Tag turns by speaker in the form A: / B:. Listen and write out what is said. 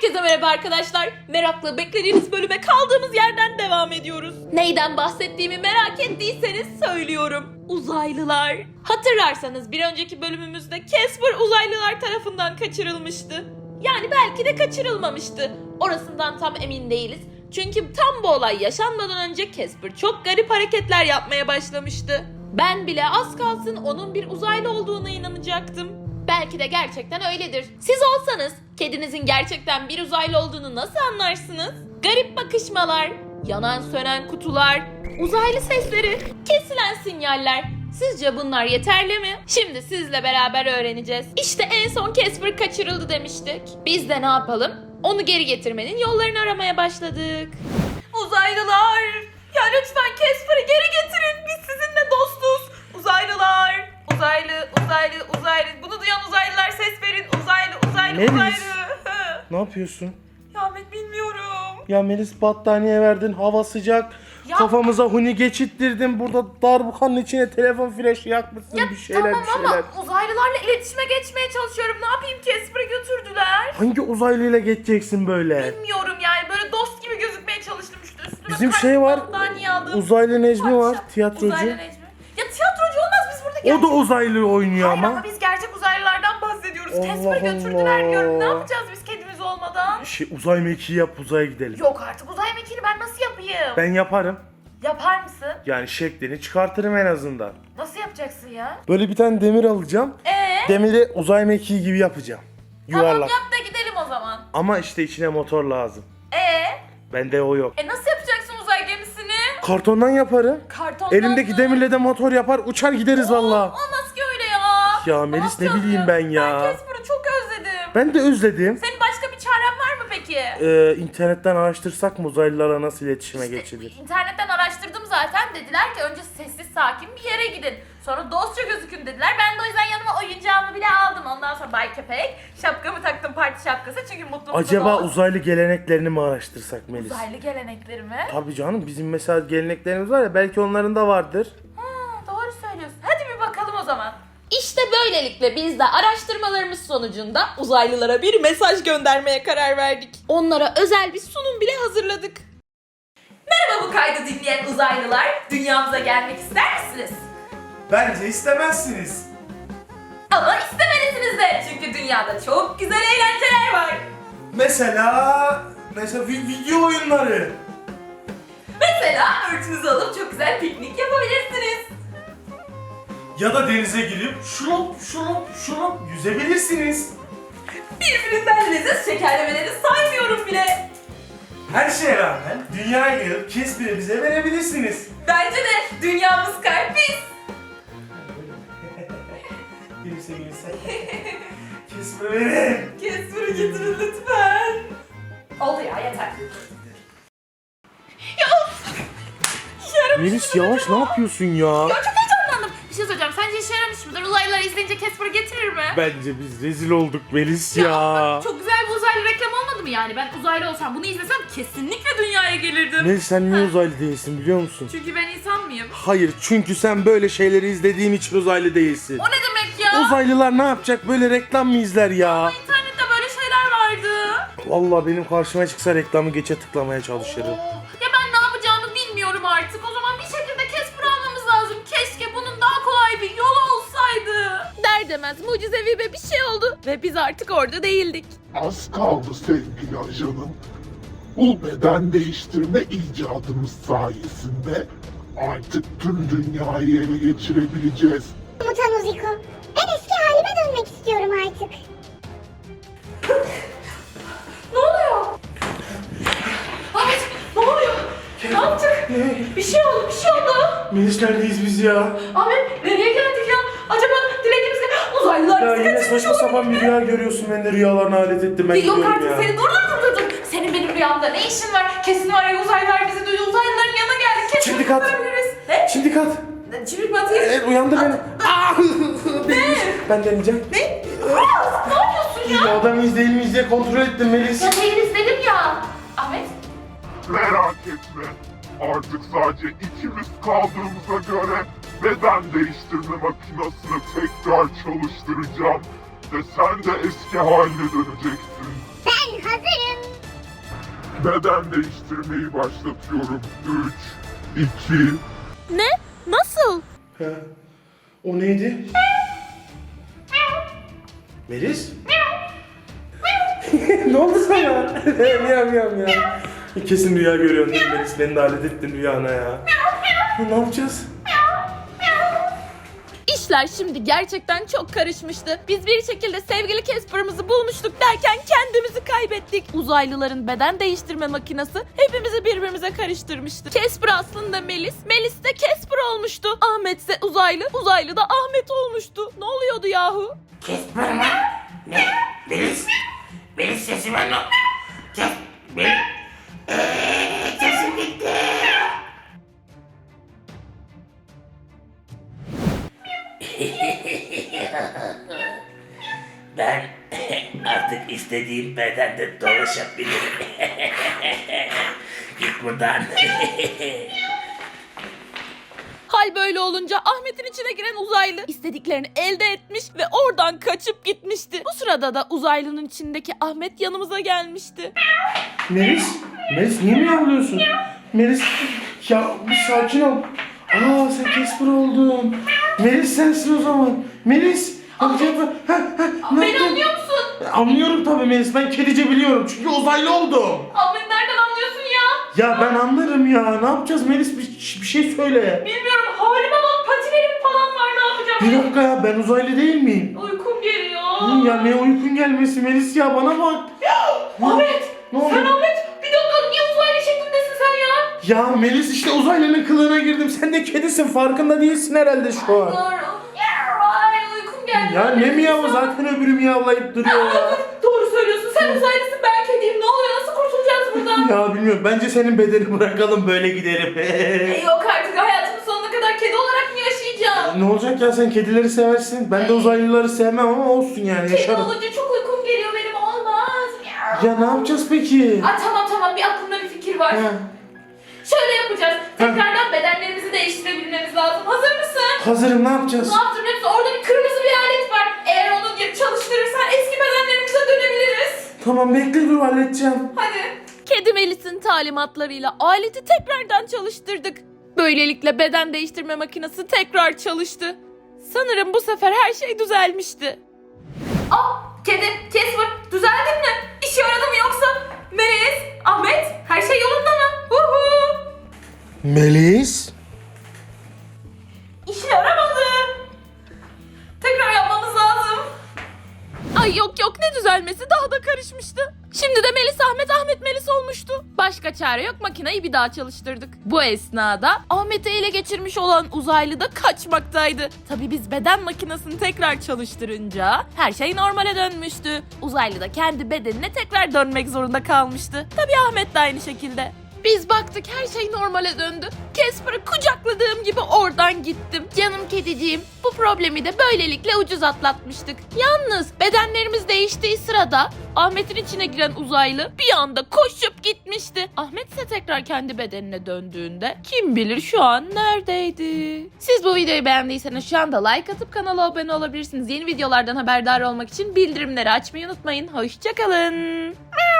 A: Herkese merhaba arkadaşlar. Merakla beklediğiniz bölüme kaldığımız yerden devam ediyoruz. Neyden bahsettiğimi merak ettiyseniz söylüyorum. Uzaylılar. Hatırlarsanız bir önceki bölümümüzde Casper uzaylılar tarafından kaçırılmıştı. Yani belki de kaçırılmamıştı. Orasından tam emin değiliz. Çünkü tam bu olay yaşanmadan önce Casper çok garip hareketler yapmaya başlamıştı. Ben bile az kalsın onun bir uzaylı olduğuna inanacaktım. Belki de gerçekten öyledir. Siz olsanız kedinizin gerçekten bir uzaylı olduğunu nasıl anlarsınız? Garip bakışmalar, yanan sönen kutular, uzaylı sesleri, kesilen sinyaller. Sizce bunlar yeterli mi? Şimdi sizle beraber öğreneceğiz. İşte en son Casper kaçırıldı demiştik. Biz de ne yapalım? Onu geri getirmenin yollarını aramaya başladık. Uzaylılar! Ya lütfen Casper'ı geri getirin. Biz sizinle dostuz. Uzaylılar! Uzaylı. Bunu duyan uzaylılar ses verin. Uzaylı.
B: Ne yapıyorsun?
A: Ya Ahmet bilmiyorum.
B: Ya Melis battaniye verdin, hava sıcak.
A: Ya-
B: Kafamıza huni geçittirdin. Burada darbukanın içine telefon flaşı yakmışsın, bir şeyler.
A: Ama uzaylılarla iletişime geçmeye çalışıyorum. Ne yapayım, Casper'ı götürdüler.
B: Hangi uzaylıyla geçeceksin böyle?
A: Bilmiyorum yani, böyle dost gibi gözükmeye çalıştım işte. Üstüme
B: Bizim
A: kaç
B: şey var,
A: battaniye aldım.
B: Uzaylı Necmi var,
A: Parça.
B: tiyatrocu.
A: Uzaylı Necmi. Ya tiyatrocu olmaz, biz burada
B: O
A: gerçek...
B: da uzaylı oynuyor
A: Hayır
B: ama.
A: ama biz gerçek uzaylılardan bahsediyoruz.
B: Allah
A: Casper'ı götürdüler diyorum. Ne
B: Allah.
A: yapacağız biz kedimiz olmadan?
B: Uzay mekiği yap, uzaya gidelim.
A: Yok artık, uzay mekiğini ben nasıl yapayım?
B: Ben yaparım.
A: Yapar mısın?
B: Yani şeklini çıkartırım en azından.
A: Nasıl yapacaksın ya?
B: Böyle bir tane demir alacağım. Demiri uzay mekiği gibi yapacağım. Yuvarlak.
A: Tamam, yap da gidelim o zaman.
B: Ama işte içine motor lazım. Bende o yok.
A: Nasıl yapacaksın uzay gemisini?
B: Kartondan yaparım.
A: Kartondan
B: Elimdeki
A: mı?
B: demirle de motor yapar, uçar gideriz valla.
A: Olmaz ki öyle ya.
B: Ya Melis, ne
A: yapacağız
B: bileyim ben ya.
A: Ben Casper'ı çok özledim.
B: Ben de özledim.
A: Senin başka bir çaren var mı peki?
B: İnternetten araştırsak mı uzaylılarla nasıl iletişime geçilir?
A: İnternetten araştırdım zaten. Dediler ki önce sessiz sakin bir yere gidin. Sonra dostça gözükün dediler. Ben de o yüzden yanıma oyuncağımı bile aldım. Ondan sonra Bay Köpek, şapkamı taktım, parti şapkası. Çünkü mutluluk
B: Acaba
A: dost.
B: uzaylı geleneklerini mi araştırsak Melis?
A: Uzaylı gelenekleri mi?
B: Tabii canım, bizim mesela geleneklerimiz var ya, belki onların da vardır.
A: Doğru söylüyorsun. Hadi bir bakalım o zaman. İşte böylelikle biz de araştırmalarımız sonucunda uzaylılara bir mesaj göndermeye karar verdik. Onlara özel bir sunum bile hazırladık. Merhaba bu kaydı dinleyen uzaylılar. Dünyamıza gelmek ister misiniz?
B: Bence istemezsiniz.
A: Ama istemelisiniz de. Çünkü dünyada çok güzel eğlenceler var.
B: Mesela video oyunları.
A: Mesela örtünüzü alıp çok güzel piknik yapabilirsiniz.
B: Ya da denize girip şurup yüzebilirsiniz.
A: Birbirinden leziz şekerlemeleri saymıyorum bile.
B: Her şeye rağmen dünyaya gelip Casper'ı bize verebilirsiniz.
A: Bence de dünyamız kalpis.
B: Gülse. Casper'ı verin.
A: Casper'ı getirin lütfen. Oldu ya, yeter.
B: Melis yavaş, ne yapıyorsun ya?
A: Ya çok heyecanlandım. Bir şey söyleyeceğim. Sence işe yaramış mıdır? Uzaylılar izleyince Casper'ı getirir mi?
B: Bence biz rezil olduk Melis ya.
A: Çok güzel bir uzaylı reklam olmadı mı yani? Ben uzaylı olsam bunu izlesem kesinlikle dünyaya gelirdim.
B: Melis, sen niye uzaylı değilsin biliyor musun?
A: Çünkü ben insan mıyım?
B: Hayır, çünkü sen böyle şeyleri izlediğin için uzaylı değilsin.
A: O ne demek ya?
B: Uzaylılar ne yapacak, böyle reklam mı izler ya?
A: İnternette böyle şeyler vardı.
B: Vallahi benim karşıma çıksa reklamı geçe tıklamaya çalışırım.
A: Ya ben ne yapacağımı bilmiyorum artık. O zaman bir şekilde Casper'ı almamız lazım. Keşke bunun daha kolay bir yolu olsaydı. Der demez mucizevi bir şey oldu. Ve biz artık orada değildik.
C: Az kaldı sevgili ajanım. Bu beden değiştirme icadımız sayesinde artık tüm dünyayı ele geçirebileceğiz.
D: Komutan Uziko, ben eski halime dönmek istiyorum artık.
A: Ne oluyor? Ahmet, ne oluyor? Ne yaptık? Bir şey oldu.
B: Melis, neredeyiz biz ya?
A: Ahmet, nereye geldik ya? Acaba dilediğimizde uzaylılar
B: Ya
A: bizi
B: yine
A: kaçırmış
B: saçma sapan
A: olabilir
B: bir
A: mi?
B: rüya görüyorsun, ben de rüyalarına alet ettim, ben
A: Yok
B: gidiyorum
A: artık,
B: ya.
A: seni dur. Senin benim rüyamda ne işin var? Kesin var ya, uzaylılar bizi duydu. Uzaylıların yanına geldik. Kesin
B: Şimdi kat.
A: kurtarabiliriz. Ne?
B: Şimdi kat.
A: Çimdik mi atayım?
B: Evet, uyandır beni. Değilmiş. Ben deneyeceğim.
A: Ne? Ne yapıyorsun ya?
B: Adam mıyız değil miyiz diye kontrol ettim Melis.
A: Ya değiliz dedim ya. Ahmet.
C: Merak etme. Artık sadece ikimiz kaldığımıza göre beden değiştirme makinesini tekrar çalıştıracağım. Ve sen de eski haline döneceksin.
D: Ben hazırım.
C: Beden değiştirmeyi başlatıyorum. 3, 2,
A: Ne? Nasıl?
B: Ha, o neydi? Melis? Ne oldu sana? Miyav miyav miyav. Kesin rüya görüyorsun değil mi Melis? Beni de alet ettin rüyana ya. Ne yapacağız?
A: İşler şimdi gerçekten çok karışmıştı. Biz bir şekilde sevgili Casper'ımızı bulmuştuk derken kendimizi kaybettik. Uzaylıların beden değiştirme makinesi hepimizi birbirimize karıştırmıştı. Casper aslında Melis, Melis de Casper olmuştu. Ahmet ise uzaylı, uzaylı da Ahmet olmuştu. Ne oluyordu yahu?
E: Casper mı? Ne? Melis? Melis sesi ben o. Melis. Sesim gitti. Ben artık istediğim bedende dolaşabilirim. Git buradan.
A: Hal böyle olunca Ahmet'in içine giren uzaylı istediklerini elde etmiş ve oradan kaçıp gitmişti. Bu sırada da uzaylının içindeki Ahmet yanımıza gelmişti.
B: Melis? Melis niye miyavlıyorsun? Melis ya bir sakin ol. Aa sen Casper oldun. Melis sensin o zaman. Melis.
A: Beni anlıyor musun?
B: Anlıyorum tabii Melis. Ben kedice biliyorum. Çünkü uzaylı oldum.
A: Ahmet nereden anlıyorsun ya?
B: Ya ben anlarım ya. Ne yapacağız Melis? Bir şey söyle.
A: Bilmiyorum, halime bak, patilerim falan var, ne yapacağım?
B: Bir dakika ya ben uzaylı değil miyim?
A: Uykum geliyor.
B: Ya ne uykun gelmesi Melis ya bana bak.
A: Ahmet!
B: Ne oldu?
A: Sen Ahmet! Bir dakika, niye uzaylı şeklindesin sen ya?
B: Ya Melis işte uzaylının kılığına girdim. Sen de kedisin. Farkında değilsin herhalde şu an.
A: Doğru. Ay, uykum geldi.
B: Ya ne miyavı zaten öbürü miyavlayıp duruyor ya.
A: Doğru söylüyorsun, sen uzaylısın, ben kediyim. Ne oluyor, nasıl kurtulacağız buradan?
B: Ya bilmiyorum bence senin bedeni bırakalım böyle gidelim.
A: Yok artık, hayatımın sonuna kadar kedi olarak mı yaşayacağım?
B: Ne olacak ya sen kedileri seversin. Ben de uzaylıları sevmem ama olsun yani
A: Kedi
B: yaşarım.
A: olunca çok uykum geliyor benim, olmaz.
B: Ya ne yapacağız peki?
A: Ay, tamam, bir aklımda bir fikir var.
B: Ha,
A: Şöyle yapacağız, tekrardan bedenlerimizi değiştirebilmemiz lazım. Hazır mısın?
B: hazırım ne yapacağız?
A: Ne yaptın biliyor musun? Orada bir kırmızı bir alet var. Eğer onu çalıştırırsan eski bedenlerimize dönebiliriz.
B: Tamam bekle dur halledeceğim.
A: Hadi. Kedi Melis'in talimatlarıyla aleti tekrardan çalıştırdık. Böylelikle beden değiştirme makinesi tekrar çalıştı. Sanırım bu sefer her şey düzelmişti. Kedi, Casper, düzeldin mi? İşe yaradı mı yoksa? Melis, Ahmet, her şey yolunda mı? Huhu.
B: Melis?
A: İşe yaramadı. Tekrar yapmamız lazım. Ay yok ne düzelmesi, daha da karışmıştı. Şimdi de Melis Ahmet, Ahmet Melis olmuştu. Başka çare yok, makineyi bir daha çalıştırdık. Bu esnada Ahmet'i ele geçirmiş olan uzaylı da kaçmaktaydı. Tabii biz beden makinesini tekrar çalıştırınca her şey normale dönmüştü. Uzaylı da kendi bedenine tekrar dönmek zorunda kalmıştı. Tabii Ahmet de aynı şekilde. Biz baktık her şey normale döndü. Casper'ı kucakladığım gibi oradan gittim. Canım kediciğim, bu problemi de böylelikle ucuz atlatmıştık. Yalnız bedenlerimiz değiştiği sırada Ahmet'in içine giren uzaylı bir anda koşup gitmişti. Ahmet ise tekrar kendi bedenine döndüğünde kim bilir şu an neredeydi? Siz bu videoyu beğendiyseniz şu anda like atıp kanala abone olabilirsiniz. Yeni videolardan haberdar olmak için bildirimleri açmayı unutmayın. Hoşçakalın.